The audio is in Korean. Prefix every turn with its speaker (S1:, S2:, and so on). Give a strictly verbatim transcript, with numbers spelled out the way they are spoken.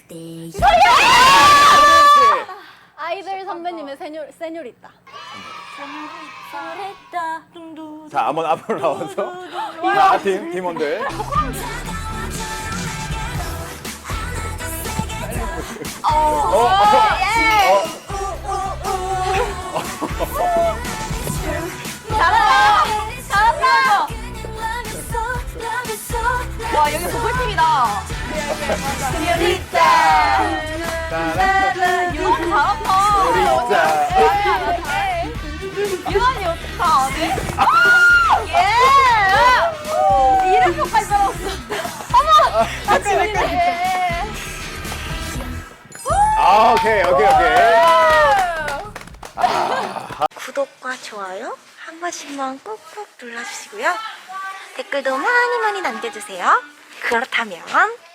S1: 아이들 선배님의 세뇨, 세뇨리따.
S2: 자, 한번 앞으로 나와서. 자, 팀, 팀원들. 어, 어, 어.
S1: 잘한다! 잘한다! 와, 여기 보컬팀이다. 세뇨리따. 유언 잘한다.
S2: 세뇨리따.
S1: 유언이 어떻게 안 해? 예! 이름표까지 써놨어. 어머! 아, 진짜.
S2: 아, 오케이, 오케이, 오케이.
S3: 구독과 좋아요 한 번씩만 꾹꾹 눌러주시고요. 댓글도 많이 많이 남겨주세요. 그렇다면